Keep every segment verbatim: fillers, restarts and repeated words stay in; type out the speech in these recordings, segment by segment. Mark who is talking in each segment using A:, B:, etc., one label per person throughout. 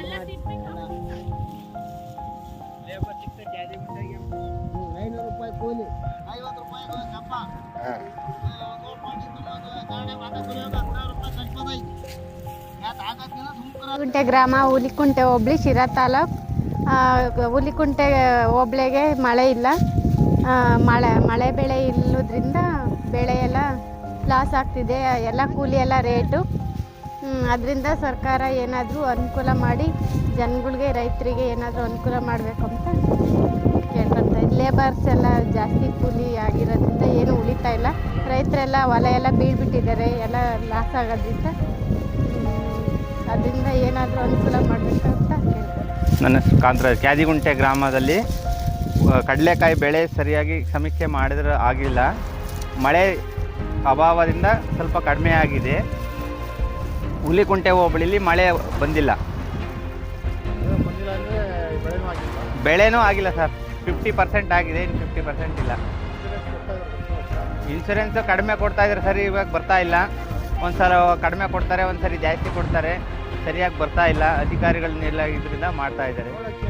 A: ಐನೂರು ರೂಪಾಯಿ ಕೂಲಿ, ಐವತ್ತು ರೂಪಾಯಿ ಕಪ್ಪ,
B: ಗುಂಟೆ ಗ್ರಾಮ, ಹುಲಿಕುಂಟೆ ಹೋಬಳಿ, ಶಿರಾ ತಾಲೂಕು. ಹುಲಿಕುಂಟೆ ಹೋಬಳಿಗೆ ಮಳೆ ಇಲ್ಲ. ಮಳೆ ಮಳೆ ಬೆಳೆ ಇಲ್ಲದ್ರಿಂದ ಬೆಳೆ ಎಲ್ಲ ಲಾಸ್ ಆಗ್ತಿದೆ. ಎಲ್ಲ ಕೂಲಿ ಎಲ್ಲ ರೇಟು. ಅದರಿಂದ ಸರ್ಕಾರ ಏನಾದರೂ ಅನುಕೂಲ ಮಾಡಿ ಜನಗಳಿಗೆ, ರೈತರಿಗೆ ಏನಾದರೂ ಅನುಕೂಲ ಮಾಡಬೇಕು ಅಂತ ಕೇಳ್ಕೊಳ್ತಾ ಇದ್ದೀನಿ. ಲೇಬರ್ಸ್ ಎಲ್ಲ ಜಾಸ್ತಿ ಕೂಲಿ ಆಗಿರೋದ್ರಿಂದ ಏನು ಉಳಿತಾ ಇಲ್ಲ. ರೈತರೆಲ್ಲ ಹೊಲ ಎಲ್ಲ ಬೀಳ್ಬಿಟ್ಟಿದ್ದಾರೆ, ಎಲ್ಲ ಲಾಸ್ ಆಗೋದ್ರಿಂದ ಅದರಿಂದ ಏನಾದರೂ ಅನುಕೂಲ ಮಾಡಬೇಕು ಅಂತ ಕೇಳ್ತಾರೆ.
C: ನನ್ನ ಹೆಸರು ಕಾಂತರಾಜ್. ಕ್ಯಾದಿಗುಂಟೆ ಗ್ರಾಮದಲ್ಲಿ ಕಡಲೆಕಾಯಿ ಬೆಳೆ ಸರಿಯಾಗಿ ಸಮೀಕ್ಷೆ ಮಾಡಿದ್ರೆ ಆಗಿಲ್ಲ. ಮಳೆ ಅಭಾವದಿಂದ ಸ್ವಲ್ಪ ಕಡಿಮೆ ಆಗಿದೆ. ಹುಲಿಕುಂಟೆ ಹೋಬಳಿಲಿ ಮಳೆ ಬಂದಿಲ್ಲ. ಬೆಳೆನೂ ಆಗಿಲ್ಲ ಸರ್. ಫಿಫ್ಟಿ ಪರ್ಸೆಂಟ್ ಆಗಿದೆ, ಇನ್ನು ಫಿಫ್ಟಿ ಪರ್ಸೆಂಟ್ ಇಲ್ಲ. ಇನ್ಶೂರೆನ್ಸು ಕಡಿಮೆ ಕೊಡ್ತಾ ಇದ್ದಾರೆ ಸರ್, ಇವಾಗ ಬರ್ತಾ ಇಲ್ಲ. ಒಂದು ಸಲ ಕಡಿಮೆ ಕೊಡ್ತಾರೆ, ಒಂದು ಸರಿ ಜಾಸ್ತಿ ಕೊಡ್ತಾರೆ. ಸರಿಯಾಗಿ ಬರ್ತಾ ಇಲ್ಲ. ಅಧಿಕಾರಿಗಳನ್ನೆಲ್ಲ ಇದರಿಂದ ಮಾಡ್ತಾ ಇದ್ದಾರೆ.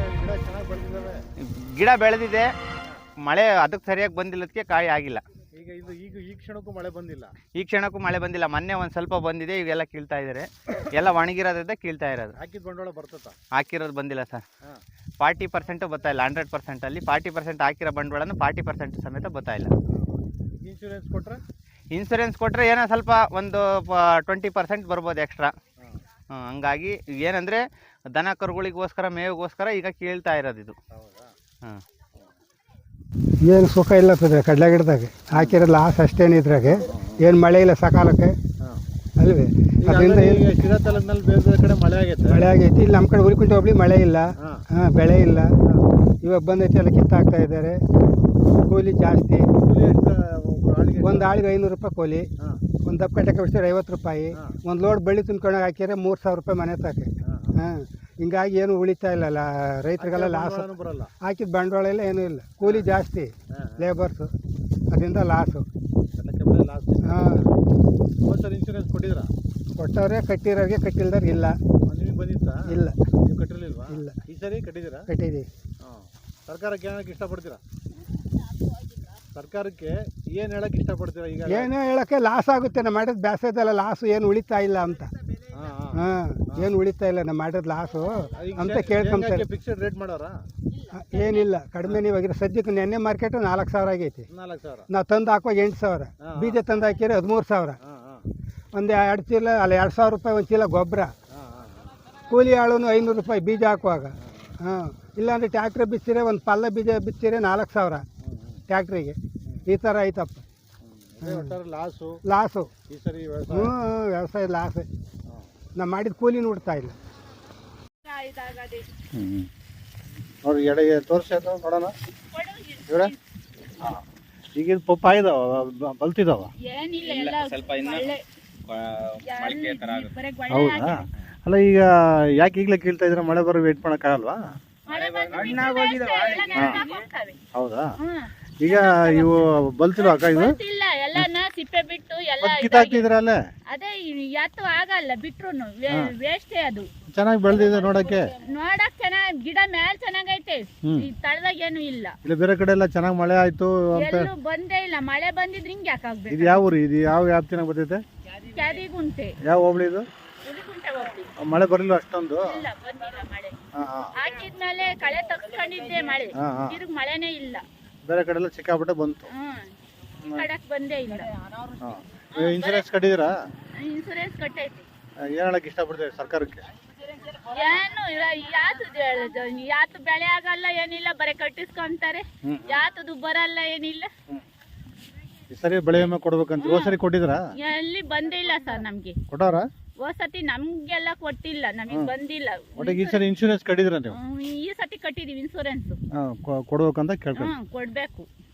C: ಗಿಡ ಬೆಳೆದಿದೆ, ಮಳೆ ಅದಕ್ಕೆ ಸರಿಯಾಗಿ ಬಂದಿಲ್ಲದಕ್ಕೆ ಕಾಯಿ ಆಗಿಲ್ಲ.
D: ಈಗ ಇದು ಈಗ ಈ ಕ್ಷಣಕ್ಕೂ ಮಳೆ ಬಂದಿಲ್ಲ.
C: ಈ ಕ್ಷಣಕ್ಕೂ ಮಳೆ ಬಂದಿಲ್ಲ. ಮೊನ್ನೆ ಒಂದು ಸ್ವಲ್ಪ ಬಂದಿದೆ, ಇವೆಲ್ಲ ಕೀಳ್ತಾ ಇದ್ದಾರೆ. ಎಲ್ಲ ಒಣಗಿರೋದ್ರಿಂದ ಕೀಳ್ತಾ ಇರೋದು.
D: ಹಾಕಿದ ಬಂಡವಾಳ ಬರ್ತದ?
C: ಹಾಕಿರೋದು ಬಂದಿಲ್ಲ ಸರ್. ಫಾರ್ಟಿ ಪರ್ಸೆಂಟು ಬರ್ತಾ ಇಲ್ಲ. ಹಂಡ್ರೆಡ್ ಪರ್ಸೆಂಟಲ್ಲಿ ಫಾರ್ಟಿ ಪರ್ಸೆಂಟ್ ಹಾಕಿರೋ ಬಂಡವಾಳನು ಫಾರ್ಟಿ ಪರ್ಸೆಂಟ್ ಸಮೇತ ಬರ್ತಾ ಇಲ್ಲ.
D: ಇನ್ಶೂರೆನ್ಸ್ ಕೊಟ್ಟರೆ
C: ಇನ್ಸೂರೆನ್ಸ್ ಕೊಟ್ಟರೆ ಏನೋ ಸ್ವಲ್ಪ ಒಂದು ಟ್ವೆಂಟಿ ಪರ್ಸೆಂಟ್ ಬರ್ಬೋದು ಎಕ್ಸ್ಟ್ರಾ. ಹಂಗಾಗಿ ಏನಂದರೆ ದನ ಕರುಗಳಿಗೋಸ್ಕರ, ಮೇವಿಗೋಸ್ಕರ ಈಗ ಕೇಳ್ತಾ ಇರೋದು ಇದು. ಹಾಂ,
A: ಏನು ಸುಖ ಇಲ್ಲ ಕಡಲೆ ಗಿಡದಾಗ ಹಾಕಿರೋ ಲಾಸ್ ಅಷ್ಟೇನು. ಇದ್ರಾಗೆ ಏನು ಮಳೆ ಇಲ್ಲ ಸಕಾಲಕ್ಕೆ ಅಲ್ವೇ. ಅದರಿಂದ
D: ಶಿರಾ ತಾಲೂಕಿನಲ್ಲಿ ಬೇರೆ ಬೇರೆ ಕಡೆ ಮಳೆ ಆಗೈತೆ.
A: ಮಳೆ ಆಗೈತಿ. ಇಲ್ಲಿ ನಮ್ಮ ಕಡೆ ಹುಲಿಕುಂಟೆ ಹೋಬಳಿ ಮಳೆ ಇಲ್ಲ. ಹಾಂ, ಬೆಳೆ ಇಲ್ಲ. ಇವಾಗ ಬಂದೈತಿ, ಎಲ್ಲ ಕಿತ್ತಾಕ್ತಾ ಇದ್ದಾರೆ. ಕೂಲಿ ಜಾಸ್ತಿ. ಒಂದು ಆಳಿಗೆ ಐನೂರು ರೂಪಾಯಿ ಕೂಲಿ. ಒಂದು ದಪ್ಪ ಕಟ್ಟೆ ಕಳಿಸಿದ್ರೆ ಐವತ್ತು ರೂಪಾಯಿ. ಒಂದು ಲೋಡ್ ಬಳ್ಳಿ ತುಂಬ್ಕೊಂಡಾಗ ಹಾಕಿದ್ರೆ ಮೂರು ಸಾವಿರ ರೂಪಾಯಿ ಮನೆ ತಾಕೆ. ಹಾಂ, ಹಿಂಗಾಗಿ ಏನು ಉಳಿತಾ ಇಲ್ಲ. ರೈತರಿಗೆಲ್ಲ ಲಾಸ್. ಹಾಕಿದ ಬಂಡವಾಳ ಎಲ್ಲ ಏನೂ ಇಲ್ಲ. ಕೂಲಿ ಜಾಸ್ತಿ, ಲೇಬರ್ಸು, ಅದರಿಂದ ಲಾಸು. ಹಾಂ,
D: ಇನ್ಶೂರೆನ್ಸ್ ಕೊಟ್ಟಿದ್ರ?
A: ಕೊಟ್ಟವ್ರೆ, ಕಟ್ಟಿರೋರಿಗೆ, ಕಟ್ಟಿಲ್ದವ್ರಿಗೆ ಇಲ್ಲ.
D: ನಿಮಗೆ ಬಂದಿತ್ತಾ?
A: ಇಲ್ಲ.
D: ನೀವು ಕಟ್ಟಿರಲಿಲ್ವಾ?
A: ಇಲ್ಲ.
D: ಈ ಸರಿ ಕಟ್ಟಿದ್ದೀರಾ?
A: ಕಟ್ಟಿದ್ದೀವಿ.
D: ಹಾಂ, ಸರ್ಕಾರಕ್ಕೆ ಏನಕ್ಕೆ ಇಷ್ಟಪಡ್ತೀರಾ? ಸರ್ಕಾರಕ್ಕೆ ಏನು ಹೇಳಕ್ಕೆ ಇಷ್ಟಪಡ್ತೀರಾ? ಈಗ
A: ಏನು ಹೇಳೋಕ್ಕೆ ಲಾಸ್ ಆಗುತ್ತೆ. ನಾವು ಮಾಡಿದ ಬ್ಯಾಸದಲ್ಲ ಲಾಸು, ಏನು ಉಳಿತಾ ಇಲ್ಲ ಅಂತ. ಹಾಂ, ಏನು ಉಳಿತಾ ಇಲ್ಲ, ನಾವು ಮಾಡಿದ ಲಾಸು ಅಂತ ಕೇಳ್ಕೊಂತಾರೆ.
D: Fixed rate ಮಾಡೋರಾ?
A: ಏನಿಲ್ಲ, ಕಡಿಮೆ. ನೀವಾಗಿರೋ ಸದ್ಯಕ್ಕೆ ನೆನ್ನೆ ಮಾರ್ಕೆಟು ನಾಲ್ಕು ಸಾವಿರ ಆಗೈತಿ.
D: ನಾಲ್ಕು ಸಾವಿರ
A: ನಾವು ತಂದು ಹಾಕುವಾಗ ಎಂಟು ಸಾವಿರ. ಬೀಜ ತಂದು ಹಾಕಿದ್ರೆ ಹದಿಮೂರು ಸಾವಿರ. ಒಂದು ಎರಡು ಚೀಲ ಅಲ್ಲ, ಎರಡು ಸಾವಿರ ರೂಪಾಯಿ ಒಂದು ಚೀಲ ಗೊಬ್ಬರ. ಕೂಲಿ ಆಳು ಐನೂರು ರೂಪಾಯಿ ಬೀಜ ಹಾಕುವಾಗ. ಹಾಂ, ಇಲ್ಲಾಂದರೆ ಟ್ಯಾಕ್ಟ್ರಿ ಬಿಚ್ಚಿರೆ, ಒಂದು ಪಲ್ಲ ಬೀಜ ಬಿಚ್ಚಿರೆ ನಾಲ್ಕು ಸಾವಿರ ಟ್ಯಾಕ್ಟ್ರಿಗೆ. ಈ ಥರ ಐತಪ್ಪ.
D: ಲಾಸು
A: ಲಾಸು
D: ಈ ಸರಿ
A: ಹ್ಞೂ, ವ್ಯವಸಾಯ ಲಾಸೆ. ನಾವು ಮಾಡಿದ ಕೂಲಿ ನೋಡ್ತಾ ಇಲ್ಲ.
D: ನೋಡಿ ಎಡೆ ತೋರಿಸಿ ಅದು ನೋಡೋಣ. ಇವರೇ ಈಗ ಇದು ಪಪ್ಪ ಇದಾವ, ಬಲ್ತಿದಾವ?
C: ಸ್ವಲ್ಪ ಇನ್ನು ಮೊಳಕೆ ಥರ ಆಗುತ್ತೆ.
D: ಹೌದಾ? ಅಲ್ಲ, ಈಗ ಯಾಕೆ ಈಗಲೇ ಕೀಳ್ತಾ ಇದ್ರೆ ಮಳೆ ಬರೋ ವೇಟ್ ಮಾಡೋಕ್ಕಾಗಲ್ವಾ? ಹೌದಾ? ಈಗ ಇವು ಬಲ್ತಿಲ್ವ ಅಕ್ಕ? ಇದು
E: ಎಲ್ಲಾನ ಸಿಪ್ಪೆ ಬಿಟ್ಟು ಎಲ್ಲ
D: ಕಿತ್ತಾಕ್ತಿದ್ರ ಅಲ್ಲೇ?
E: ಅದೇ ಯಾತು ಆಗಲ್ಲ, ಬಿಟ್ರುನು ವೇಸ್ಟೇ. ಅದು
D: ಚೆನ್ನಾಗಿ ಬೆಳೆದಿದೆ ನೋಡಕ್ಕೆ.
E: ನೋಡಕ್ ಚೆನ್ನಾಗ್ ಗಿಡ ಮ್ಯಾಲ್ ಚೆನ್ನಾಗೈತೆ. ಈ ತಳದಾಗ ಏನು ಇಲ್ಲ.
D: ಇಲ್ಲ, ಬೇರೆ ಕಡೆ ಎಲ್ಲ ಚೆನ್ನಾಗಿ ಮಳೆ ಆಯ್ತು ಅಂತ
E: ಎಲ್ಲೂ ಬಂದೇ ಇಲ್ಲ. ಮಳೆ ಬಂದಿದ್ರೆ ಹಿಂಗೆ ಯಾಕಾಗ್ಬೇಕು?
D: ಇದು ಯಾವ ಊರು? ಇದು ಯಾವ ವ್ಯಾಪ್ತಿನಾಗ ಬರ್ತೈತೆ?
E: ಕ್ಯಾದಿಗುಂಟೆ.
D: ಯಾವ ಹೋಬಳಿ ಇದು?
E: ಹುಲಿಕುಂಟೆ ಹೋಬಳಿ.
D: ಮಳೆ ಬರಲಿಲ್ಲ ಅಷ್ಟೊಂದು?
E: ಇಲ್ಲ, ಬಂದಿಲ್ಲ ಮಳೆ. ಹಾಕಿದ್ಮೇಲೆ ಕಳೆ ತಗ್ಸ್ಕೊಂಡಿದ್ದೆ ಮಳೆ, ತಿರುಗ್ ಮಳೆನೇ ಇಲ್ಲ.
D: ಬೇರೆ ಕಡೆ ಎಲ್ಲ ಸಿಕ್ಕಾಪಟ್ಟೆ ಬಂತು.
E: ಹ್ಮ್, ಕಡಕ್ ಬಂದೇ ಇಲ್ಲ.
D: ಇನ್ಶೂರೆನ್ಸ್ ಕಟ್ಟಿದಿರಾ?
E: ಇನ್ಸೂರೆನ್ಸ್ ಕಟ್ಟೈತಿ.
D: ಏನ್ ಹೇಳಕ್ ಇಷ್ಟಪಡ್ತೀವಿ ಸರ್ಕಾರಕ್ಕೆ?
E: ಏನು ಯಾತು ಯಾತು ಬೆಳೆ ಆಗಲ್ಲ, ಏನಿಲ್ಲ, ಬರೀ ಕಟ್ಟಿಸ್ಕೊಂತಾರೆ. ಯಾತದು ಬರಲ್ಲ, ಏನಿಲ್ಲ.
D: ಈ ಸರಿ ಬೆಳೆ ವಿಮೆ ಕೊಡ್ಬೇಕಂತ ಹೋದ ಸರಿ ಕೊಟ್ಟಿದ್ರಾ?
E: ಎಲ್ಲಿ ಬಂದಿಲ್ಲ ಸರ್ ನಮ್ಗೆ.
D: ಕೊಟ್ಟಾರ?
E: ಹೋದ ಸತಿ ನಮ್ಗೆಲ್ಲ ಕೊಟ್ಟಿಲ್ಲ, ನಮಗೆ ಬಂದಿಲ್ಲ.
D: ಒಟ್ಟಿಗೆ ಈ ಸರಿ ಇನ್ಶೂರೆನ್ಸ್ ಕಟ್ಟಿದ್ರ ನೀವು?
E: ಈ ಸತಿ ಕಟ್ಟಿದೀವಿ ಇನ್ಸೂರೆನ್ಸ್.
D: ಕೊಡ್ಬೇಕಂತ ಕೇಳ್ಕೊಂಡು
E: ಕೊಡ್ಬೇಕು.